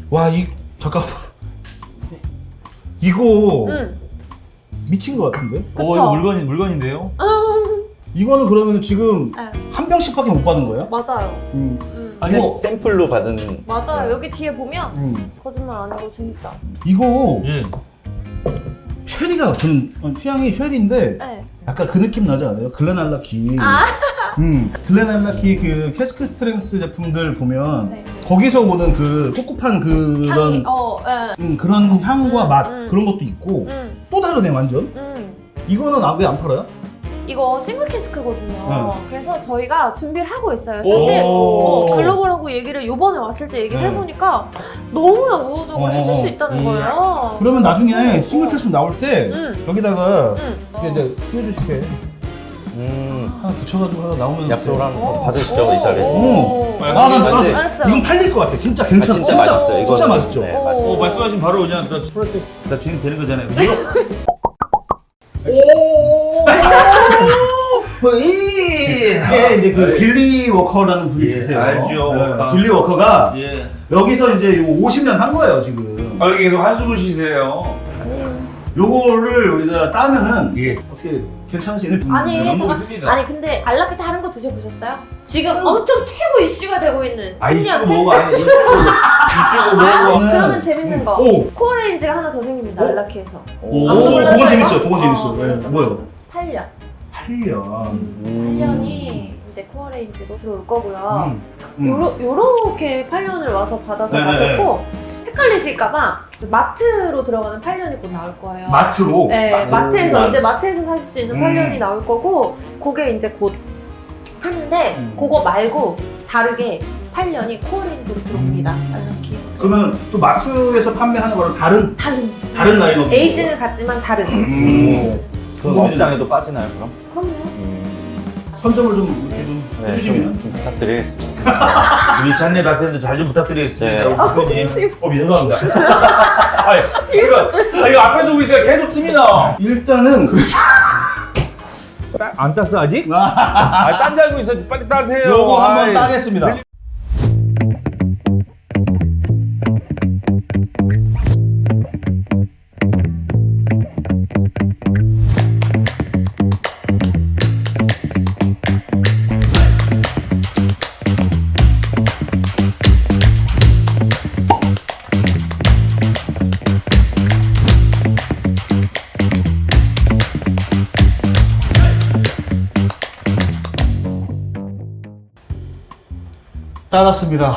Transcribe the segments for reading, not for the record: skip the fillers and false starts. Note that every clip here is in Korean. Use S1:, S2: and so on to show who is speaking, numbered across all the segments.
S1: 와, 잠깐만. 이거
S2: 응.
S1: 미친 것 같은데?
S2: 그쵸?
S3: 이거 물건인데요?
S1: 이거는 그러면 지금
S2: 네.
S1: 한 병씩밖에 못 받은 거예요?
S2: 맞아요.
S3: 아니,
S1: 이거
S4: 샘플로 받은.
S2: 맞아요. 여기 뒤에 보면 거짓말 안 하고 진짜.
S1: 이거
S3: 예.
S1: 쉐리가 저는 취향이 쉐리인데
S2: 네.
S1: 약간 그 느낌 나지 않아요? 글렌알라키. 글렌알라키 그 캐스크 스트렝스 제품들 보면
S2: 네.
S1: 거기서 오는 그 꿉꿉한 그런
S2: 향이
S1: 그런 향과 맛
S2: 음.
S1: 그런 것도 있고 또 다르네 완전. 이거는 왜 안 팔아요?
S2: 이거 싱글 캐스크거든요.
S1: 네.
S2: 그래서 저희가 준비를 하고 있어요. 사실 글로벌하고 얘기를 요번에 왔을 때 얘기를
S1: 네.
S2: 해보니까 너무나 우호적으로 해줄 수 있다는 거예요.
S1: 그러면 나중에 싱글 캐스 나올 때 여기다가
S2: 응.
S1: 이제 수혜주 식혜 하나 붙여가지고 하나 나오면
S4: 약속을 한번 받으시죠, 이 자리에서.
S1: 오.
S4: 왠지-
S2: 알았어요.
S1: 이건 팔릴 것 같아. 진짜 괜찮아.
S4: 진짜 맛있어요. 이거는.
S1: 진짜 맛있죠.
S4: 네,
S2: 오.
S4: 맛있어요.
S3: 말씀하신 바로 그냥 프로세스 다 진행되는 거잖아요.
S1: 이게 이제 그 빌리 워커라는 분이
S3: 예,
S1: 계세요.
S3: 알죠. 워커.
S1: 빌리 워커가
S3: 예.
S1: 여기서 이제 요 50년 한 거예요 지금.
S3: 여기 계속 한숨을 쉬세요.
S1: 요거를 우리가 따면은
S3: 예.
S1: 어떻게 괜찮으시는 분?
S2: 아니,
S3: 너무
S2: 잠깐-
S3: 있습니다.
S2: 아니 근데 알라키 다른 거 드셔보셨어요? 지금 엄청 최고 이슈가 되고 있는
S3: 아, 이슈가
S2: 10년
S3: 뭐고 아니 이슈가 뭐고.
S2: 그러면 재밌는 거.
S1: 오.
S2: 코어레인지가 하나 더 생깁니다.
S1: 오.
S2: 알라키에서.
S1: 오,
S2: 아무도 몰라요,
S1: 그건
S2: 이거?
S1: 재밌어요. 그건 재밌어. 네,
S2: 그렇죠,
S1: 뭐요?
S2: 그렇죠. 8년.
S1: 8년.
S2: 8년이 이제 코어레인지로 들어올 거고요.
S1: 음.
S2: 요렇게 8년을 와서 받아서
S1: 네,
S2: 마셨고 헷갈리실까봐 마트로 들어가는 8년이 곧 나올 거예요.
S1: 마트로.
S2: 네,
S4: 마트로.
S2: 마트에서 이제 마트에서 사실 수 있는
S1: 음.
S2: 8년이 나올 거고 그게 이제 곧 하는데 그거 말고 다르게 8년이 코어레인지로 들어옵니다. 알라키.
S1: 그러면 또 마트에서 판매하는 거랑 다른 라인업.
S2: 에이징은 같지만 다른.
S4: 그럼 업장에도 빠지나요, 그럼?
S2: 그럼요.
S1: 선점을 좀 이렇게 좀
S4: 네,
S1: 해주시면.
S4: 좀 부탁드리겠습니다.
S3: 우리 잔내 마트에서 잘 좀 부탁드리겠습니다.
S4: 네.
S3: 대표님.
S2: 지금.
S3: 죄송합니다. 이거 앞에 두고 있어요. 계속 침이 나.
S1: 일단은 그래서
S3: 안 땄어 아직?
S1: 아,
S3: 딴 줄 알고 있어. 빨리 따세요.
S1: 요거 한번
S3: 아이.
S1: 따겠습니다. 따랐습니다.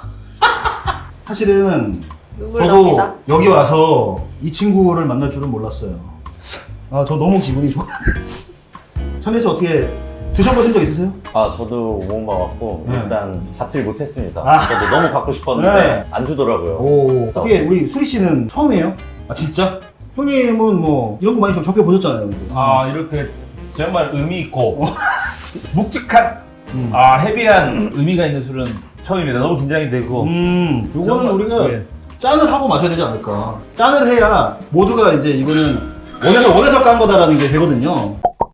S1: 사실은
S2: 눈물
S1: 저도
S2: 납니다.
S1: 여기 와서 이 친구를 만날 줄은 몰랐어요. 아, 저 너무 기분이 좋아. 천리 씨 어떻게 드셔보신 적 있으세요?
S4: 아, 저도 못 먹었고,
S1: 네.
S4: 일단 받질 못했습니다.
S1: 아.
S4: 저도 너무 갖고 싶었는데,
S1: 네.
S4: 안 주더라고요.
S1: 오, 어떻게 우리 수리 씨는 처음이에요? 아, 진짜? 형님은 뭐 이런 거 많이 접해보셨잖아요.
S3: 아 이렇게 정말 의미 있고 묵직한
S1: 음.
S3: 헤비한 의미가 있는 술은 처음입니다. 너무 긴장이 되고.
S1: 요거는
S3: 정말,
S1: 우리가
S3: 예.
S1: 짠을 하고 마셔야 되지 않을까. 짠을 해야 모두가 이제 이거는 원해서 깐 거다라는 게 되거든요.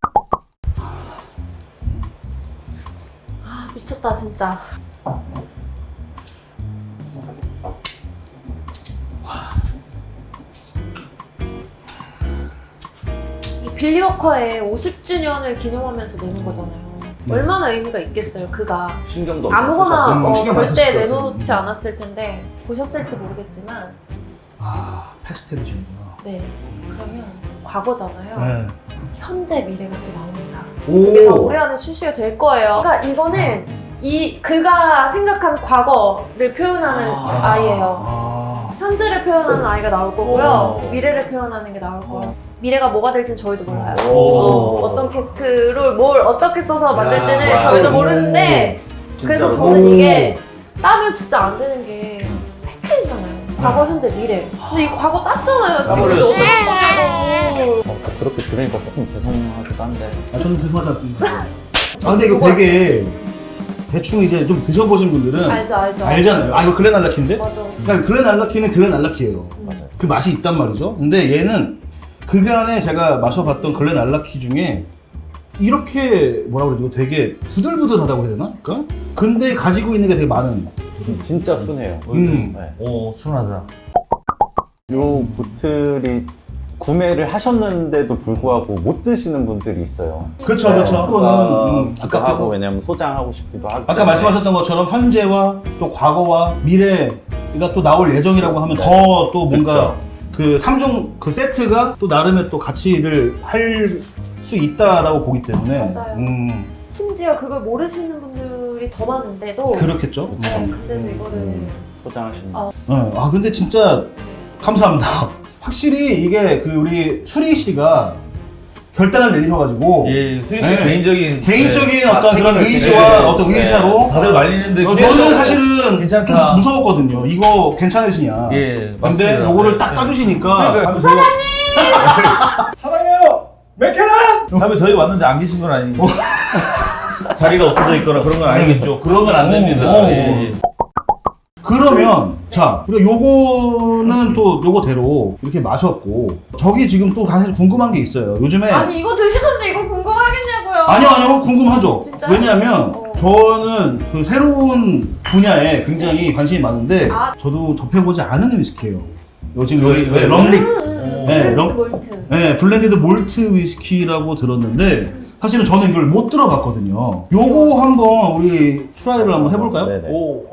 S2: 아, 미쳤다 진짜. 이 빌리워커의 50주년을 기념하면서 내는 거잖아요. 얼마나 의미가 있겠어요, 그가.
S4: 신경도 없이
S2: 아무거나
S4: 쓰셔서.
S1: 신경 많이
S2: 절대
S1: 썼을 것
S2: 내놓지 않았을 텐데 보셨을지 모르겠지만
S1: 아, 패스트 에디션이구나.
S2: 네, 그러면 과거잖아요.
S1: 네.
S2: 현재 미래가 또 나옵니다. 이게 다
S1: 오.
S2: 올해 안에 출시가 될 거예요. 그러니까 이거는 그가 생각한 과거를 표현하는 아이예요.
S1: 아.
S2: 현재를 표현하는 아이가 나올 거고요.
S4: 오.
S2: 미래를 표현하는 게 나올 거예요. 미래가 뭐가 될지는 저희도 몰라요.
S4: 오.
S2: 어떤 캐스크를 뭘 어떻게 써서 만들지는
S1: 야,
S2: 저희도
S1: 와우.
S2: 모르는데 그래서
S4: 진짜로.
S2: 저는 이게 따면 진짜 안 되는 게 패키지잖아요. 과거, 현재, 미래. 근데 이 과거 땄잖아요. 지금
S3: 따버렸어.
S2: 어떻게
S4: 그렇게 들으니까 조금 죄송하기도 한데.
S1: 아, 저는 죄송하지 않습니다. 아, 근데 이거 되게 대충 이제 좀 드셔보신 분들은
S2: 알죠.
S1: 알잖아요. 아, 이거 글렌알라키인데?
S2: 맞아.
S1: 그러니까 글렌알라키는 글렌알라키예요.
S4: 맞아요.
S1: 그 맛이 있단 말이죠. 근데 얘는 그간에 제가 마셔봤던 글렌알라키 중에 이렇게 뭐라 그러지? 되게 부들부들하다고 해야 되나? 그러니까? 근데 가지고 있는 게 되게 많은.
S4: 진짜 순해요.
S1: 음.
S4: 네.
S3: 오, 순하다.
S4: 요 보틀이 구매를 하셨는데도 불구하고 못 드시는 분들이 있어요.
S1: 그쵸, 그쵸. 그거는
S4: 아까 하고 왜냐면 소장하고 싶기도 하고.
S1: 아까 말씀하셨던 것처럼 현재와 또 과거와 미래가 또 나올 예정이라고 하면 더 또 뭔가 그 3종 그 세트가 또 나름의 또 가치를 할 수 있다라고 보기 때문에
S2: 맞아요. 심지어 그걸 모르시는 분들이 더 많은데도
S1: 그렇겠죠.
S2: 네, 근데도 이거를
S4: 소장하시는.
S1: 아 근데 진짜 감사합니다. 확실히 이게 그 우리 수리 씨가 결단을 내리셔가지고
S3: 예, 수희 씨
S1: 네.
S3: 개인적인
S1: 어떤 그런
S4: 책임을
S1: 의지와
S4: 지는,
S1: 어떤
S4: 네.
S1: 의사로
S3: 다들 말리는데
S1: 저는
S3: 계속
S1: 사실은
S3: 괜찮다.
S1: 좀 무서웠거든요. 이거 괜찮으시냐?
S3: 예,
S1: 근데
S3: 맞습니다.
S1: 요거를
S3: 네,
S1: 딱
S3: 네.
S1: 따주시니까
S3: 그러니까
S1: 사랑해요. 맥케란.
S3: 다음에 저희 왔는데 안 계신 건 아니고 자리가 없어져 있거나 그런 건 아니겠죠. 그러면 안 됩니다. 예, 예.
S1: 그러면 자 우리가 요거는 또 요거대로 이렇게 마셨고 저기 지금 또 사실 궁금한 게 있어요. 요즘에
S2: 아니 이거 드셨는데 이거 궁금하겠냐고요.
S1: 아니요 궁금하죠.
S2: 진짜요?
S1: 왜냐하면 저는 그 새로운 분야에 굉장히 관심이 많은데
S2: 아.
S1: 저도 접해보지 않은 위스키예요. 요즘 여기
S3: 왜?
S1: 럼릭 네,
S2: 블렌드 몰트.
S1: 네, 블렌디드 몰트 위스키라고 들었는데 사실은 저는 이걸 못 들어봤거든요. 요거 한번 우리 트라이를 한번 해볼까요?
S4: 네네.
S3: 오,